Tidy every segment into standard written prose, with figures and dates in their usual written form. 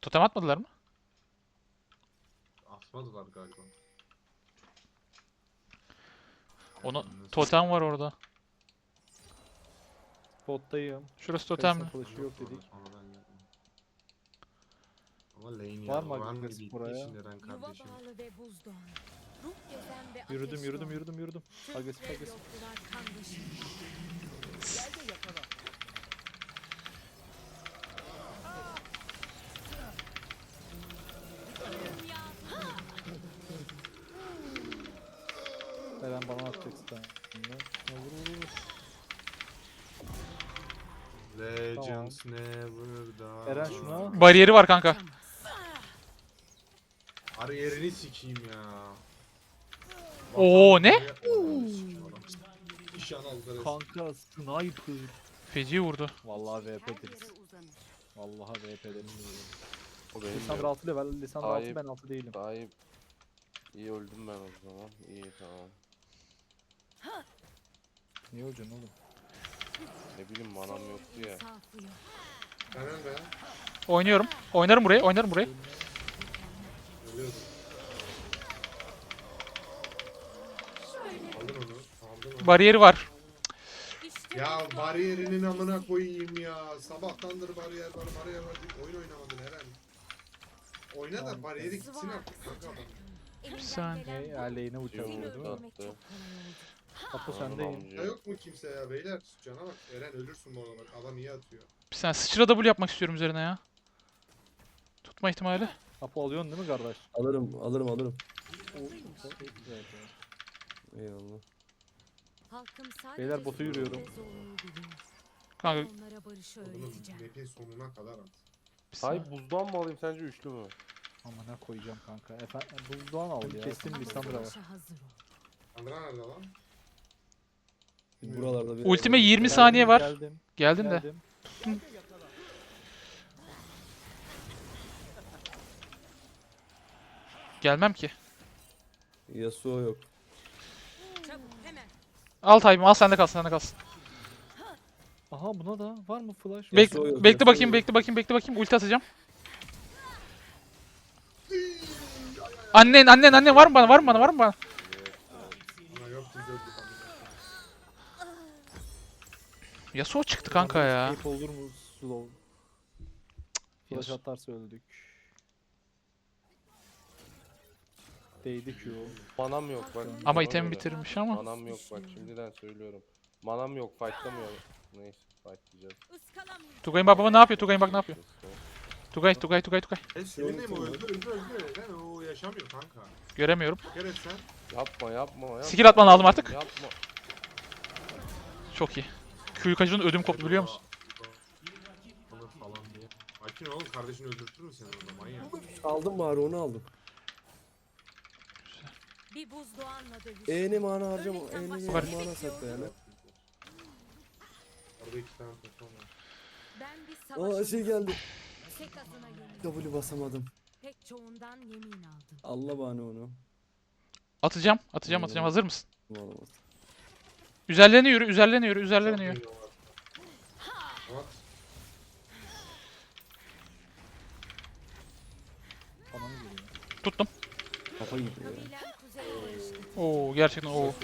Totem atmadılar mı? Atmadılar galiba. Onu Nasıl- totem var orada. Bottayım. Şurası Kayısının totemli. flash'ı yok orada, dedik. sonradan geldim. Ama lane Var ya. mı Var mı agresif bir buraya? işin Eren Yuva kardeşim? bağlı ve buzdoğan. Ruh gezen ve Yürüdüm ateş yürüdüm doğan. yürüdüm yürüdüm. Türk Agresif ve agresif. yoklular kan dışında. Eren bana atacaksın sen. Vur vur vur. Legends never die. Eren şuna. Bariyeri var kanka. Arı yerini sikeyim ya. Oo, ne? İşan aldı. Kanka sniper. Feci vurdu. Vallahi VP Her deriz. yere uzanır. Vallahi VP deriz. O benim Lisandro de. 6 level, Lisandro 6 Ayıp. ben 6 değilim. Daha iyi öldüm ben o zaman. İyi tamam. Niye öleceksin oğlum? Ne bileyim manam yoktu ya. İnsafı yok. Ben ölme. Oynuyorum. Oynarım burayı. Oynarım burayı. Ölüyordum. Aldın onu. Aldın onu. Bariyeri var. İşte Ya buzdoğan bariyerinin ve amına koyayım ya. Sabahtandır bariyer var, bariyer var deyip oyun oynamadın Eren. Oyna da Tamam. bariyeri gitsin Sıvı artık kanka adam. elinden saniye. gelen bu. Aleyhine uçak Seni Yok, vurdu. öldürmek attı. çok kolay oldu. Apo Anam sendeyim. amca. Ya yok mu kimse ya beyler? Cana bak. Eren ölürsün bu arada bak. Adam iyi atıyor. Bir saniye sıçra double yapmak istiyorum üzerine ya. Tutma ihtimali. Apo alıyorsun değil mi kardeş? Alırım, alırım, alırım. Evet, evet. Eyvallah. Halkım sadece Beyler, botu zulüm yürüyorum. ve zorluğu biliyor. Kanka Onlara barışı Oğlum öğreteceğim. map'in sonuna kadar at. bir saniye. Hay buzdan mı alayım sence üçlü mü? Amına koyacağım kanka. Efendim buzdoğan al ya. Kestim Ama Lisandro'ya. savaşa hazır ol. Andra nerede lan? Buralarda bir... Ultime 20 Geldim, saniye var. Geldim. Geldin de. Geldim. Gelmem ki. Yasuo yok. Çabuk hemen. Al Tayyip'im al sende kalsın sende kalsın. Aha buna da var mı flash? Yasuo yok, Bekle Yasuo bakayım yok. bekle bakayım bekle bakayım ulti atacağım. Annen var mı bana var mı bana var mı bana? Ana yok biz öldük amına. Yasuo çıktı kanka ya. Escape olur mu slow? Flash Yasuo- atarsa öldük. Değdi Q. Manam yok bak. Ama ona itemi göre. bitirmiş ama. Manam yok bak şimdiden söylüyorum. Manam yok fightlamıyorum. Neyse fightlayacağız. Iskalamıyor. Tugay'ın bak baba ne yapıyor? Tugay'ın bak ne yapıyor? Tugay. Senin mi o öldü. Eren o yaşamıyor kanka. Göremiyorum. Gel et sen. Yapma. Skill atman lazım artık. Yapma. Çok iyi. Q'yu kaçırdın ödüm koptu biliyor musun? Alır falan diye. Akin oğlum kardeşini öldürtür mü seni orada manyak? Aldım bari onu aldım. Bir buzdoğanla dövüş. E'ni mana harcama. Ölürsen E'ni başa Var. mana sakla yani. Orada iki tane totem var. Ben bir Aa savaşım. şey geldi. Tek adına yemin. W basamadım. Pek çoğundan yemin aldım. Allah bana onu. Atacağım. Hazır mısın? Olamaz. Üzerlerine yürü. Çok Üzerlerine yürü. geliyorlar. At. Bana mı geliyor? Tuttum. Kafa gitti ya. Kabilem kuzeye barıştı. Oo gerçekten oo.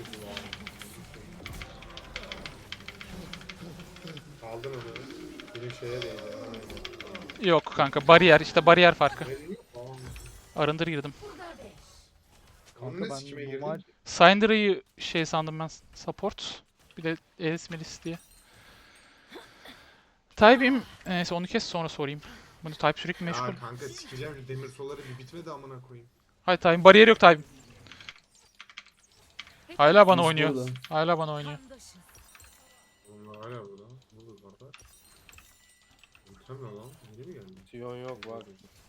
Aldın onu. Benim şeye değdi. Yok kanka bariyer işte bariyer farkı. Benim yok. Tamam. Arındır girdim. Onun Kanka ne ben sikime normal girdin? Syndra'yı şey sandım ben support. Bir de Elis Melis diye. Tayyip'im neyse onu kes sonra sorayım. Bunu Tayyip sürekli meşgul. Ya kanka sikeceğim şu demir soları bir bitmedi amına koyayım. Hayır Tayyip bariyer yok Tayyip. Hala bana Biz oynuyor. burada. Hala bana oynuyor. Kandaşız. Onlar hala burada. Burada orada. Unutamıyor lan. Yeni mi geldi? Sion yok bak.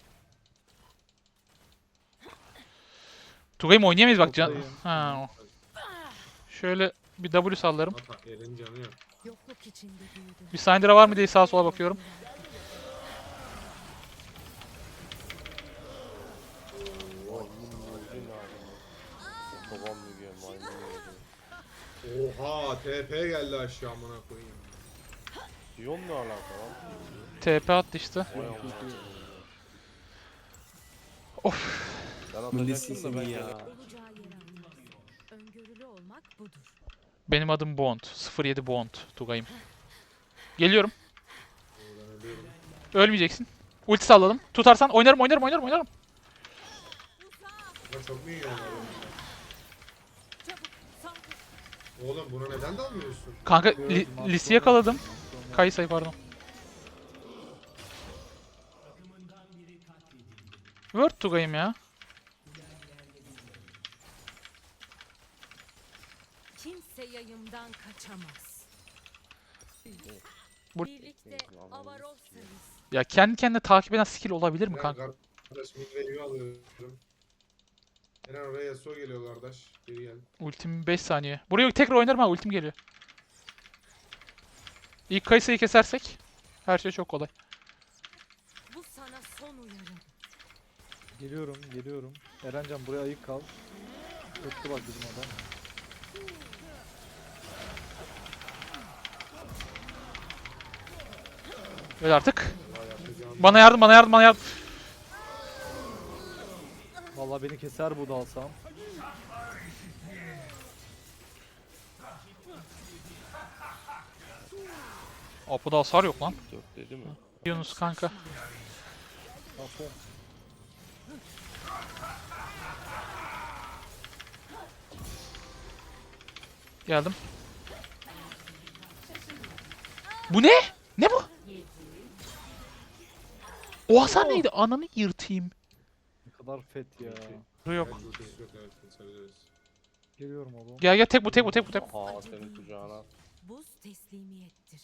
Tugay'ım oynayamayız bak can. Toktayım. Ha. Şöyle bir W sallarım. Ata Eren canı yok. Yokluk içinde büyüdüm. Bir Syndra var mı diye sağa sola bakıyorum. Maymun öldü ne alemi. Babam mı diyor maymun öldü. Oha TP geldi aşağı amına koyayım. Sion ne alaka lan? TP attı işte. Vay amına. Ben Milli atacaktım da ben sesimi ya. gene. Olacağı yere atılmaz. Öngörülü olmak budur. Benim adım Bond. 07 Bond. Tugay'ım. Geliyorum. Ben ölüyorum. Ölmeyeceksin. Ulti salladım. Tutarsan oynarım oynarım oynarım oynarım. Ama çok mu iyi yani? Çabuk saldır. Oğlum buna neden dalmıyorsun? Kanka Gördüm, Lis'i yakaladım. Sonra- Kayısayı pardon. Word Tugay'ım ya. Kimse yayımdan kaçamaz. Bu- Birlikte avarolsanız. Ya kendi kendine takip eden skill olabilir mi Ben kanka? kardeş midwave'i alıyorum. Eren oraya Yasuo geliyor kardeş. Geri gel. Ultim 5 saniye. Buraya tekrar oynarım ha ultim geliyor. İlk Kayısayı kesersek her şey çok kolay. Bu sana son uyarım. Geliyorum. Erencan buraya ayık kal. Öttü bak bizim adam. Öyle artık. Yapacağım. Bana yardım bana yardım bana yardım. Vallahi beni keser bu da alsam. Apo'da hasar yok lan. 4 dedi mi? Yunus kanka. Afon. Geldim. Bu ne? Ne bu? O hasar neydi? Ananı yırtayım. Ne kadar fet ya. Yok. Evet, ultisi yok, evet, kesebiliriz. Geliyorum oğlum. Gel gel tek bu tek bu tek bu tek. Aha senin kucağına. Buz teslimiyettir.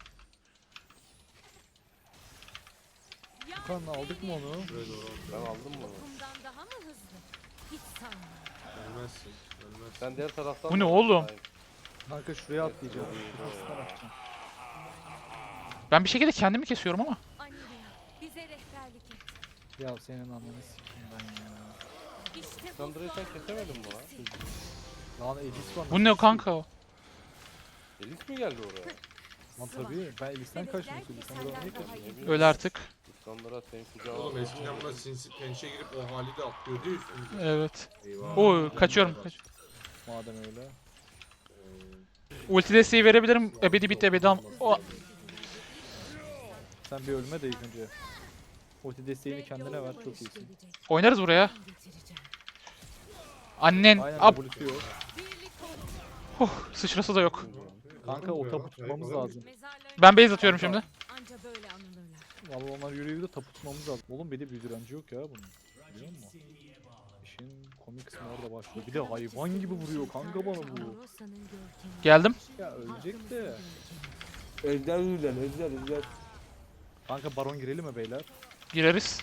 Kan aldık mı onu? Şuraya doğru. Ben aldım bunu. Okumdan daha mı hızlı? Hiç sanmıyorum. Ölmezsin. Ölmezsin. Sen diğer taraftan Bu ne mı? oğlum? Hayır. Kanka şuraya atlayacağım. Kafasından atacağım. Ben bir şekilde kendimi kesiyorum ama. Anilya, bize rehberlik et. Ya senin ananı sikeyim ben ya. İşte bu Sandra'yı sen kesemedin mi lan? Lan Elis var. Bu ne kanka o? Elis mi geldi oraya? Lan tabii ben Elis'ten kaçtım şimdi. Sen buradan niye kaçıyorsun? Öyle artık. Sandra senin kucağına. Oğlum eskiden buna sinsi pençe girip o hali de atlıyordu ya üstümüze. Evet. Eyvah. Oo kaçıyorum. Madem öyle. Ulti desteği verebilirim. Ebedi bitti ebedi am. O Sen bir ölme de ilk önce. Ulti desteğini kendine ver çok iyisin. oynarız buraya. Annen. Aynen Ab. W'si yok. Sıçrası da yok. Kanka o tapu tutmamız lazım. Ben base atıyorum şimdi. Anca böyle anılırlar. Vallahi onlar yürüyor de tapu tutmamız lazım. Oğlum bir de bir direnci yok ya bunun. Biliyor musun? İşin komik kısmı orada başlıyor. Bir de hayvan gibi vuruyor kanka bana bu. Avarolsa'nın görkemi. Geldim. Ya ölecek de. Özler Özler Özler. Kanka baron girelim mi beyler? Gireriz.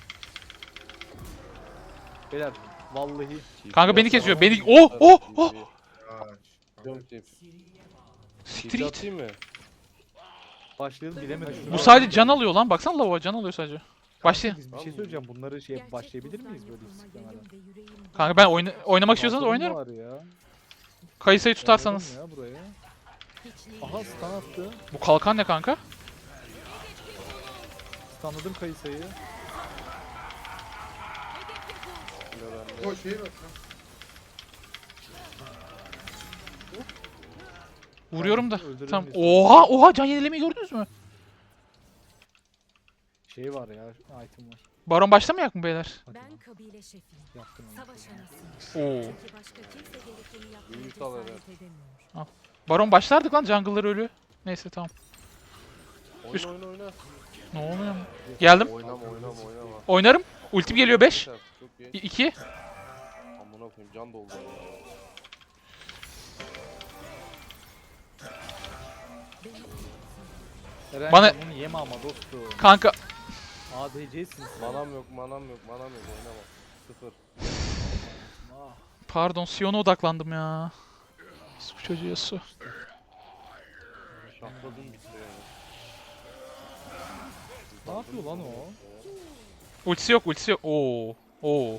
Beyler vallahi Kanka beni kesiyor. Beni. Oh oh oh. Ya. Siktir git. Atayım mı? başlayalım bilemedim. Bu sadece can alıyor lan. Baksana lava can alıyor sadece. Başlayalım. Biz bir şey söyleyeceğim. Bunları Gerçek başlayabilir buzdan miyiz böyle yapılma istiklemeden? yerim ve yüreğim Kanka ben oynamak istiyorsanız Bakalım oynarım. var ya. Kayısayı tutarsanız. Oynayalım ya buraya. hiçliği. Aha stun attı. Bu kalkan ne kanka? Stunladım kayısayı. O şey bak lan. Vuruyorum da. Öldürelim Tamam. biz. Oha oha can yenilemeyi gördünüz mü? Şey var ya item var. Baron başlamayak mı beyler? Hadi Ben lan, kabile şefiyim. yaptım onu. Savaş anasıyım. Oo. Çünkü başka kimse gerekeni yapmaya Büyük alır, cesaret edemiyor. Baron başlardık lan jungle'lar ölü. Neyse tamam. Üst- Oyna oyna oyna. Ne oluyor? Geldim. Oynama. Oynarım. Ultim geliyor 5. Yeter, çok geç. 2. Amına koyayım can doldu. Eren Bana- bunu yeme ama dostum. Kanka. ADC'sin sen. Manam yok oynama. Sıfır. Ah. Pardon Sion'a odaklandım ya. Bu çocuğu su. Şahladım bitti yani. Ne yapıyor lan o? Ultisi yok ultisi yok. Oo. Oo.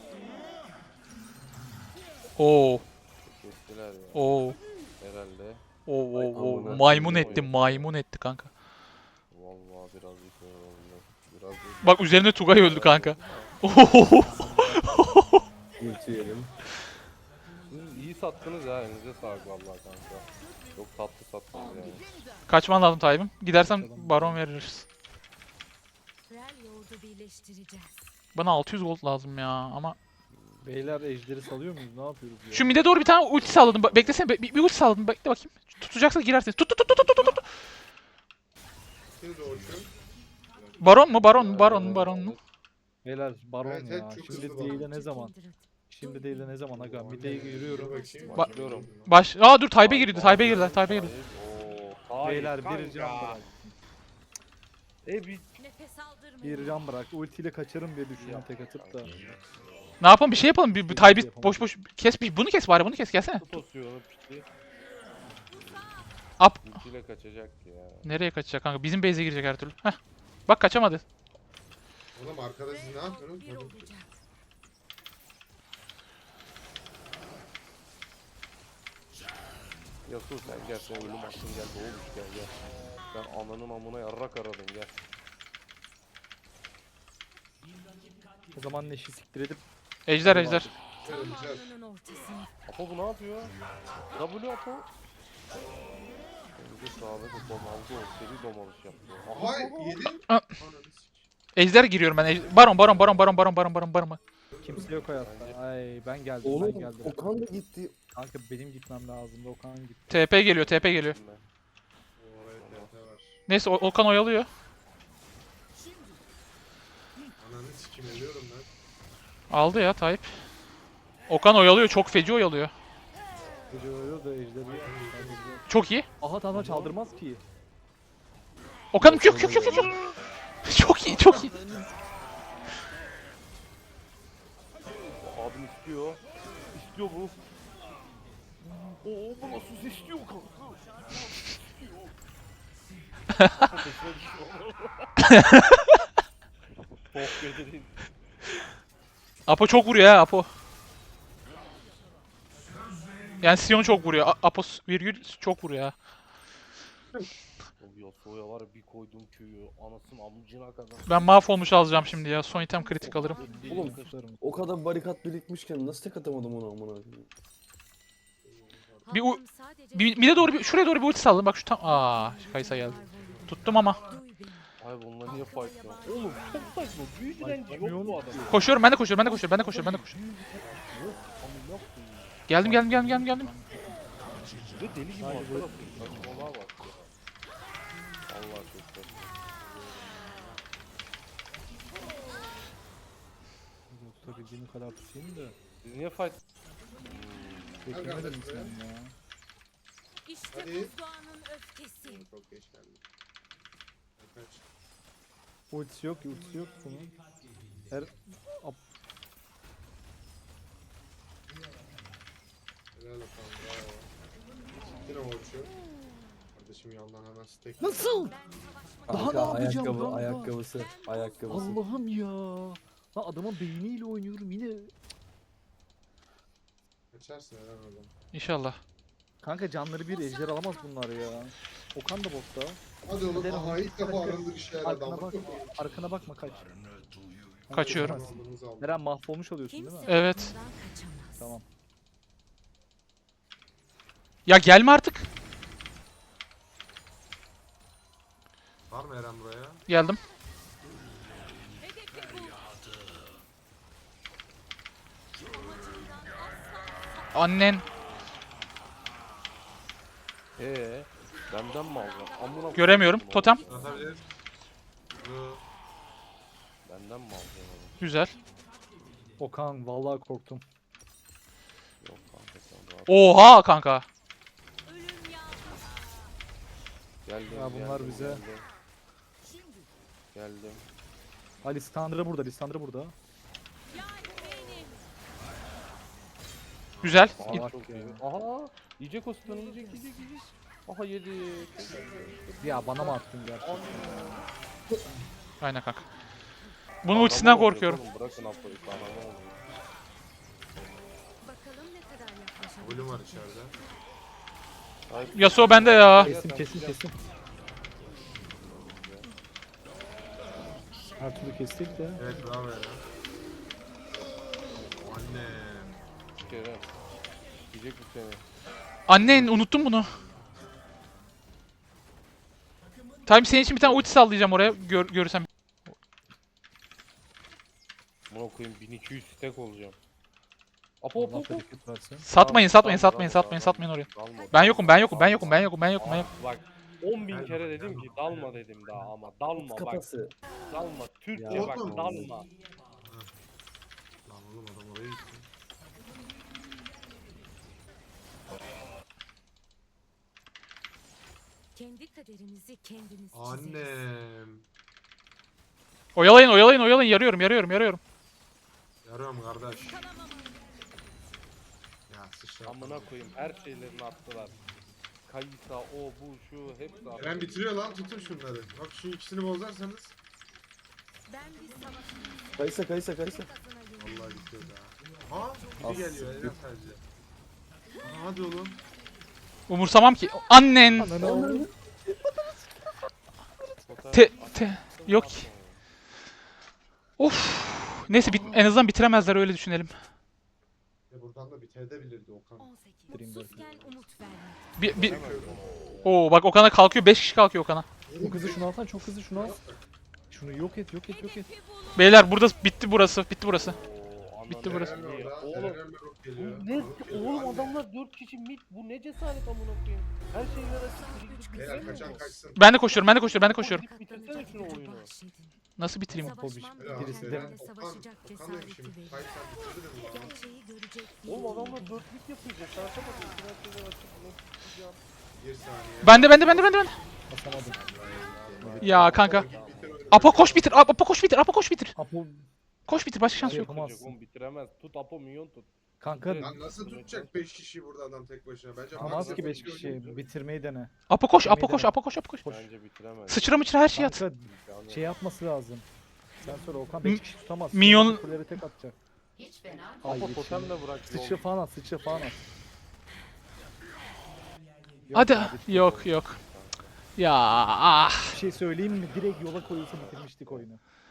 Oo. Kestiler ya. Oo. Herhalde. Oo. Ay, Oo. amına Maymun koyayım etti oyunu. maymun etti kanka. Vallahi biraz yıkıyor oldu. Biraz Bak üzerine Tugay öldü kanka. Oo. Geçelim. Siz iyi sattınız ya, elinize sağlık vallahi kanka. Çok tatlı sattınız yani. Kaçman lazım Tayyip'im. Gidersen baron veririz. Rel yoğurdu birleştireceğiz. Bana 600 gold lazım ya ama. Beyler ejderi salıyor muyuz? Ne yapıyoruz ya? Şu mide doğru bir tane ulti salladım. Beklesene bir ulti salladım. Bekle bakayım. Tutacaksa girersiniz. Tut tut tut tut tut tut. Şimdi doğuşu. Baron mu? Baron mu? Baron mu? Baron mu? Beyler baron Evet, ya. evet, çok Şimdi hızlı değil de baron. ne zaman? Şimdi değil de ne zaman aga? Mide'ye yürüyorum. Başlıyorum. Aa dur Tayyip'e girdi. Tayyip'e girdi. Tayyip'e girdi. Oo, Beyler bir kanka. can bırak. Bir Nefes aldırmayın. Bir can bırak. Ultiyle kaçarım diye düşünüyorum tek atıp da. Ne yapalım? Bir şey yapalım. Bir Tayyip'i boş boş kes. Bunu kes bari. Bunu kes. Gelsene. tut basıyor onu piti. Up. Ultiyle kaçacak ya. Nereye kaçacak kanka? Bizim base'e girecek her türlü. Heh. Bak kaçamadı. Oğlum arkada siz ne yapıyorsunuz? Bir olacak. Yasuo sen gel, sen ölüm hakkın gel, doğmuş gel gel. Ben ananın amına yarrak aradım gel. O zaman Neş'i siktir edip Ejder ejder. Öleceğiz. Zamanının ortasını. Apo bu ne yapıyor? W Apo. Önce sağda domaldı o, seri domalış yaptı. Aha yedin. Aa. Ananı sik. Ejder giriyorum ben. Baron baron baron baron baron baron baron baron. kimse yok hayatta. Ay ben geldim Oğlum ben geldim. Okan da gitti. Kanka benim gitmem lazımdı. Okan gitti. TP geliyor. TP geliyor. Oraya TT var. Neyse Okan oyalıyor. Ananı sikim ölüyorum ben. Aldı ya Tayyip. Okan oyalıyor. Çok feci oyalıyor. Gece ölüyor da ejderi. Çok iyi. Aha tamam çaldırmaz ki. Okan'ım kök kök kök kök. Çok iyi çok iyi. Abim istiyor. İstiyor bu. Oo bu nasıl istiyor kanka? Çok gecenin. Apo çok vuruyor ha Apo. Yani Sion çok vuruyor. Apo virgül çok vuruyor ha. O Yasuo'ya var ya, bir koydum köyü anasının amcına kadar. Ben mahvolmuş alacağım şimdi ya. Son item kritik alırım. Oğlum o kadar barikat birikmişken nasıl tek atamadım onu amına koyayım? Bir u- Halkım sadece Bir de doğru şuraya doğru bir ulti salladım. Bak şu tam. Kaysa geldi. Tuttum ama. duy beni. Ay bununla niye fight ya? Oğlum çok saçma. Büyü direnci yok bu adam. Koşuyorum ben de koşuyorum ben de koşuyorum ben de koşuyorum ben de koşuyorum. Geldim geldim geldim geldim geldim. Ve deli gibi arkada. Saçmalığa bak. Allah çok saçma. Tutabildiğim kadar tutayım da. Siz niye fight? Beklemedim sen ya. İşte Hadi. buzdoğanın öfkesi. Çok geç geldim. Kaç. Ultisi yok ultisi yok bunun. Her Helal olsun bravo. Yine uçuyor. Kardeşim yandan hemen stack. Nasıl? Daha ne yapacağım ayakkabı, kanka? ayakkabısı. Allah'ım ya. Lan adamın beyniyle oynuyorum yine. Kaçarsın helal oradan. İnşallah. Kanka canları bir ejder alamaz bunlar ya. Okan da botta. Hadi oğlum Gidelim. aha ilk defa arındı bir şeyler Arkana adam. bak. Arkana bakma kaç. Kaçıyorum. Aldığımızı aldık. Eren mahvolmuş oluyorsun değil mi? Kimse Evet. bundan kaçamaz. Tamam. Ya gelme artık. Var mı Eren buraya? Geldim. Hedefi bul. Annen. Benden mi alacaksın? Amına Göremiyorum. koyayım Totem. onu. Atabilir. Benden mi alacaksın onu? Güzel. Okan vallahi korktum. Yok kanka sen rahat. Oha kanka. Ölüm yağmuru. Geldim. Ya bunlar geldim, bize- Geldim. Geldim. Ha Lissandra burada, Lissandra burada. Yay benim. Güzel. Aha Salak çok ya. iyi. Aha. Yiyecek o stun'ı yiyecek. Aha yedi. Ya bana mı attın gerçekten? Aynen kanka. Bunun ultisinden korkuyorum. Bırakın Apo'yu kahraman oluyor. Bakalım ne kadar yaklaşabilir. Ölüm var içeride. Ay, Yasuo bende ya. Kesin. Her türlü kestik de. Evet bravo Eren. Annem. Kerem. Yiyecek bu seni. Annen unuttum bunu. Time senin için bir tane ulti sallayacağım oraya görürsem. Buna koyayım 1200 stack olacağım. Apo apo Allah apo. bereket versin. Satmayın, satmayın, Dalma, satmayın, dalma, satmayın, dalma. satmayın oraya. Dalma. Ben yokum, ben yokum, ben yokum, ben yokum, ben yokum, ben yokum. Abi bak 10.000 kere dedim ki dalma dedim daha ama dalma bak. Kafası. Dalma. Türkçe Ya. bak Oğlum. dalma. Lan oğlum adam oraya gitti. Kendi kaderimizi kendimiz çizeriz. Annem. Oyalayın, oyalayın, oyalayın. Yarıyorum, yarıyorum, yarıyorum. Yarıyorum kardeş. Ya sıçra. Amına koyayım her şeylerini attılar. Kayısa o bu şu hepsi attı. Eren bitiriyor lan, tutun şunları. Bak şu ikisini bozarsanız. Ben bir savaşçıyım. Kaysa kaysa kaysa. Vallahi bitiyor daha. Aha biri As- geliyor Eren sadece. Aha, hadi oğlum. Umursamam ki. Annen. Ananı avradım. Yok. Of. Neyse en azından bitiremezler öyle düşünelim. Buradan da bitebilirdi Okan. 18. Bitireyim Mutsuzken umut vermek. Bir... Oo bak Okan'a kalkıyor. 5 kişi kalkıyor Okan'a. Çok hızlı şunu alsan, çok hızlı şunu al. Şunu yok et, yok et, yok et. Beyler burada bitti burası. Bitti burası. Oo, Bitti ananı burası. Eren satayım. orada, Oğlum Eren Merok geliyor. bu ne? Merok geliyor. Oğlum Anne. adamlar 4 kişi mid. Bu ne cesaret amına koyayım. Her şeyler açık. Biriktik Beyler bitiremiyor kaçan mu? kaçsın. Ben de koşuyorum, ben de koşuyorum, ben de koşuyorum. Gidip bitirsene şunu oyunu. Bahşedin. Nasıl bitireyim? Savaşmam Helal Birisi olsun de- Eren. gerekenlerle Okan, savaşacak Okan demişim. cesareti verir. Kayıt sen bitirdin mi lan? Gerçeği görecek bir Oğlum yolum adamlar var. 4 mid yapıyor. Cesaretemedi. Her şeyler açık. Nasıl tutacağım? Bir saniye. Ben de. Basamadım. Ya kanka. Git bitir oyunu. Apo koş bitir. Apo koş bitir. Apo koş bitir. Apo Koş bitir. Başka şans Şey yok. yapamazsın. Oğlum bitiremez. Tut Apo minyon tut. kanka Evet. Lan nasıl tutacak 5 kişi burada adam tek başına? Bence tamaz Mars'a ki 5 koşuyor kişi oynuyor. bitirmeyi dene. Apo koş, Apo koş, Apo koş, Apo koş. Koş. Bence bitiremez. Sıçra mıçra her şeyi at. Kanka Yani şey yapması lazım. Sen sonra Okan Mi- 5 kişi tutamaz. Minyon- Kulelere tek atacak. Ay Apo yetişmedi. totem de bırak. Sıçra falan at, sıçra falan at. Yok Hadi. ya, bitti. Yok yok. Ya ah. Bir şey söyleyeyim mi? Direkt yola koyulsa bitirmiştik oyunu.